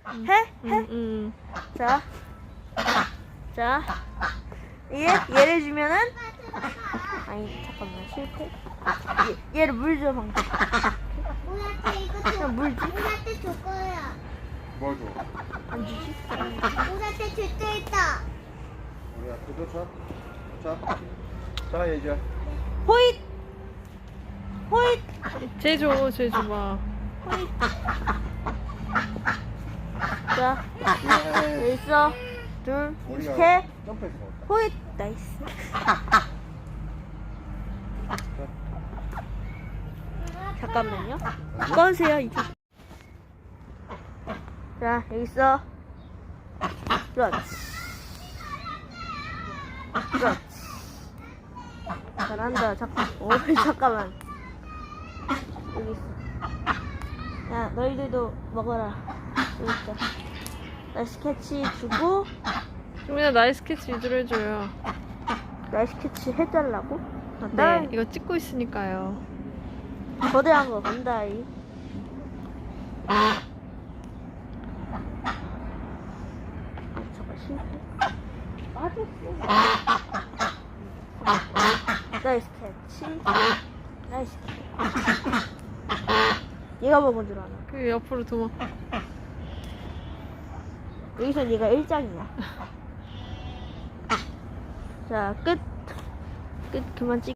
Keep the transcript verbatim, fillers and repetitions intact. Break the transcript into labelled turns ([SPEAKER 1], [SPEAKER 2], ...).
[SPEAKER 1] 응.
[SPEAKER 2] 해? 해?
[SPEAKER 1] 응, 응.
[SPEAKER 2] 자. 자. 얘, 얘를 주면은 아니 잠깐만 실패. 얘, 얘를 물 줘 방금.
[SPEAKER 3] 우리한테 이거 줘.
[SPEAKER 2] 그냥 물 줘.
[SPEAKER 3] 우리한테 줄 거야.
[SPEAKER 4] 뭘 줘?
[SPEAKER 2] 안 주지?
[SPEAKER 3] 우리한테 줄 때 있다.
[SPEAKER 4] 우리야 그거 줘. 자. 자 얘기야.
[SPEAKER 2] 호잇. 호잇.
[SPEAKER 1] 쟤 줘, 쟤 줘봐.
[SPEAKER 2] 호잇. 자. 여기 있어. 둘,
[SPEAKER 4] 우리가
[SPEAKER 2] 셋.
[SPEAKER 4] 점프해서 먹었다.
[SPEAKER 2] 호잇. 나이스. 잠깐만요. 꺼주세요 이제. 자 여기 있어. 그렇지. 그렇지. 잘한다. 잠깐. 오 잠깐만. 여기 있어. 야 너희들도 먹어라. 여기 있어. 나이스 캐치 주고
[SPEAKER 1] 종민아, 나이스 캐치 위주로 해줘요.
[SPEAKER 2] 나이스 캐치 해달라고? 아,
[SPEAKER 1] 네,
[SPEAKER 2] 딸
[SPEAKER 1] 이거 찍고 있으니까요.
[SPEAKER 2] 거대한 거 간다이. 아, 잠깐 실패. 맞았어. 나이스 캐치. 나이스 캐치. 얘가 먹은 줄 아나.
[SPEAKER 1] 그 옆으로 도망.
[SPEAKER 2] 여기선 얘가 일 장이야. 자, 끝. 끝, 그만 찍.